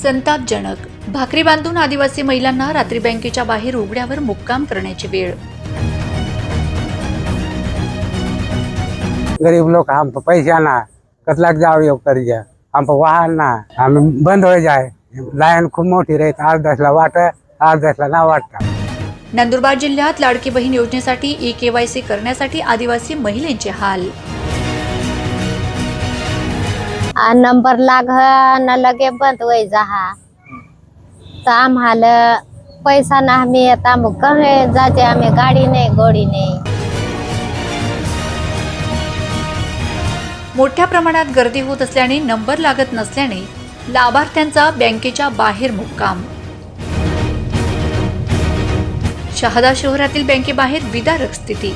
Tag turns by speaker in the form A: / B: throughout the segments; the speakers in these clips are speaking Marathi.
A: संतापजनक. भाकरी बांधून आदिवासी महिलांना रात्री बँकेच्या बाहेर उघड्यावर मुक्काम करण्याची वेळ.
B: गरीब लोग हम पैसे आना कतलाक जाओ योग कर जा हम वाहन ना हम बंद हो जाए लाइन खूप मोठी राहत 8-10ला वाट 8-10ला ना वाटता.
A: नंदुरबार जिल्ह्यात लाडकी बहीण योजनेसाठी ई-KYC करण्यासाठी आदिवासी महिलांचे हाल.
C: नंबर लाग न लगे बंद हो जहा तो आम्हाला पैसा ना हमें आता कहे जाते हमें गाड़ी नहीं गोड़ी नहीं.
A: मोठ्या प्रमाणात गर्दी होत असल्याने नंबर लागत नसल्याने लाभार्थ्यांचा बँकेच्या बाहेर मुक्काम. शहादा शहरातील बँकेबाहेर विदारक स्थिती.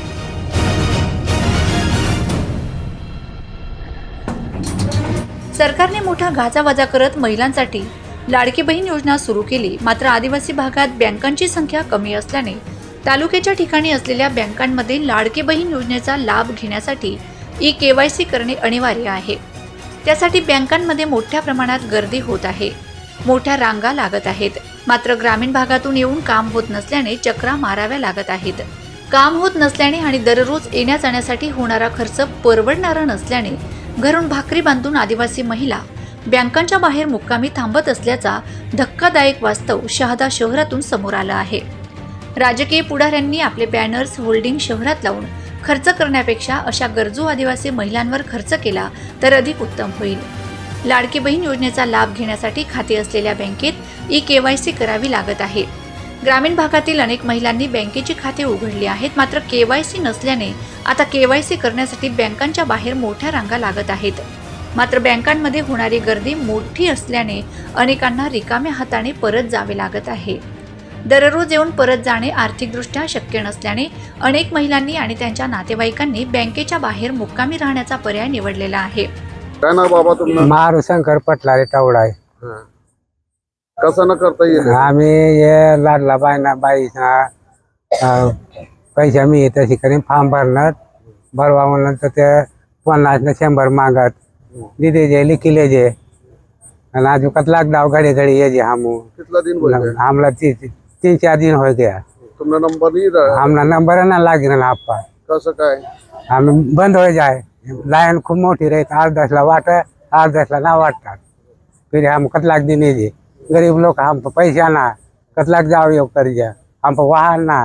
A: सरकारने मोठा गाजावाजा करत महिलांसाठी लाडकी बहीण योजना सुरू केली. मात्र आदिवासी भागात बँकांची संख्या कमी असल्याने तालुक्याच्या ठिकाणी असलेल्या बँकांमध्ये लाडकी बहीण योजनेचा लाभ घेण्यासाठी ई-KYC करणे अनिवार्य आहे. त्यासाठी बँकांमध्ये मोठ्या प्रमाणात गर्दी होत आहे. मोठ्या रांगा लागत आहेत. मात्र ग्रामीण भागातून येऊन काम होत नसल्याने चक्रा माराव्या लागत आहेत. काम होत नसल्याने आणि दररोज येण्या जाण्यासाठी होणारा खर्च परवडणारा नसल्याने घरून भाकरी बांधून आदिवासी महिला बँकांच्या बाहेर मुक्कामी थांबत असल्याचा धक्कादायक वास्तव शहादा शहरातून समोर आलं आहे. राजकीय पुढाऱ्यांनी आपले बॅनर्स होल्डिंग शहरात लावून खर्च करण्यापेक्षा अशा गरजू आदिवासी महिलांवर खर्च केला तर अधिक उत्तम होईल. लाडकी बहीण योजनेचा लाभ घेण्यासाठी खाते असलेल्या बँकेत ई-KYC करावी लागत आहे. ग्रामीण भागातील अनेक महिलांनी बँकेची खाते उघडली आहेत. मात्र KYC नसल्याने आता KYC करण्यासाठी बँकांच्या बाहेर मोठ्या रांगा लागत आहेत. मात्र बँकांमध्ये होणारी गर्दी मोठी असल्याने अनेकांना रिकाम्या हाताने परत जावे लागत आहे. दररोज येऊन परत जाणे आर्थिकदृष्ट्या शक्य नसल्याने अनेक महिलांनी आणि त्यांच्या नातेवाईकांनी बँकेच्या बाहेर मुक्कामी राहण्याचा पर्याय निवडलेला आहे.
D: काय ना बाबा तुम्हाला
B: मारू शंकर पटलारे टवडा आहे.
D: कसं न करता येईल
B: आम्ही ये लाडला बाईना पैसे मी तशी करीन फॉर्म भरणार भरवा म्हणलं तर ते 50 न 100 मागत दिदे जे लिखिले जे आणि अजून कतलाक डाव घडी घडी ये जे हम
D: कितना दिन हो गया
B: हमला 3-4 दिन हो गया.
D: तुमने नंबर नहीं रहा
B: हमला नंबर ना लागे ना आपा
D: कसं काय
B: हम बंद हो जाए लाइन खूप मोठी राहत 8-10ला वाट 8-10ला ना वाटतात. फिर हम कतलाक दिन ये जे गरीब लोग हम पैसे आना कतलाक जाओ योग कर जा हम वाहन ना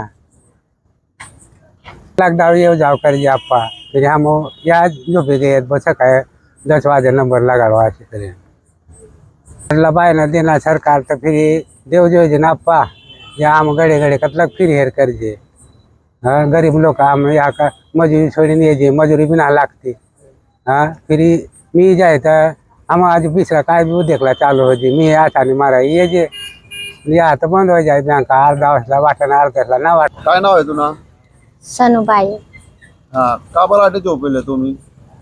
B: कतलाक जाओ ये जाओ कर जा आपा. फिर हम या जो भी गए बस है 10 बजे नंबर लगाड़वा ऐसे करें लबाई ना देना सरकार तो फिर देव जो जे ना आपा या हम गड़े गड़े कतलाक फिर हेर कर जे. हाँ गरीब लोग हम यहाँ का मजूरी छोड़ी नहीं जे मजूरी भी ना लागती. हाँ फिर मी जाए तो हम आज पिछला काय भी देखला चालू हो जी मी आठाने मारा ये जे या तो बंद हो जाए बैंक 8-10ला वाटना 8-10ला ना वाट.
D: काय नाव आहे तुला
C: सनुबाई.
D: हा का बरं आटे झोपेले तुम्ही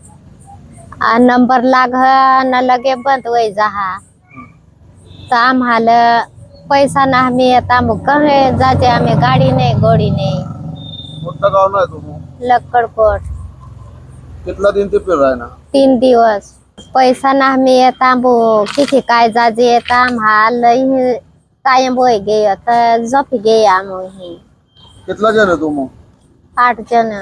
C: नंबर लाग न लगे बंद हो जहा तो आम्हाला पैसा ना हमें आता कहे जाते हमें गाड़ी नहीं गोड़ी नहीं.
D: कोणतं गाव नाही तुम्ही
C: लक्कडकोट.
D: कितना दिन ते फिर रहा है ना
C: 3 दिवस पैसा ना हमें येता किती काय जाजे येता हाल कायम बोय गे तर झोपी गे आम्ही
D: कितना जण आहे तुम्ही
C: 8 जण.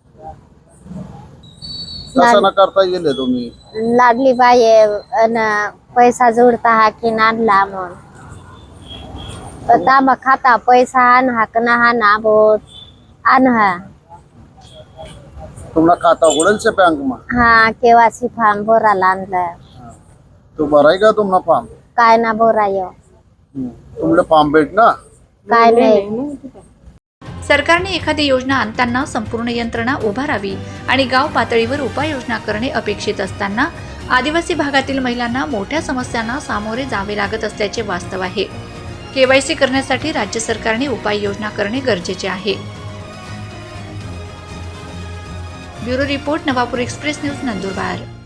D: कसं न करता येईल तुम्ही
C: लाडली बाई पैसा जोडता हा की नाडला मग तांबा खाता पैसा आण हा का ना ना बोत आण हा
D: तुम्हाला खाता उघडेल से बँक में
C: हा KYC फॉर्म भरायला आणलं.
D: तो भराय का तुम्हाला फॉर्म
C: काय ना भराय
D: तुमले फॉर्म भेट ना
C: काय नाही.
A: सरकारने एखादी योजना आणताना संपूर्ण यंत्रणा उभारावी आणि गाव पातळीवर उपाययोजना करणे अपेक्षित असताना आदिवासी भागातील महिलांना मोठ्या समस्यांना सामोरे जावे लागत असल्याचे वास्तव आहे. KYC करण्यासाठी राज्य सरकारने उपाययोजना करणे गरजेचे आहे. Bureau report, Navapur express news, Nandurbar.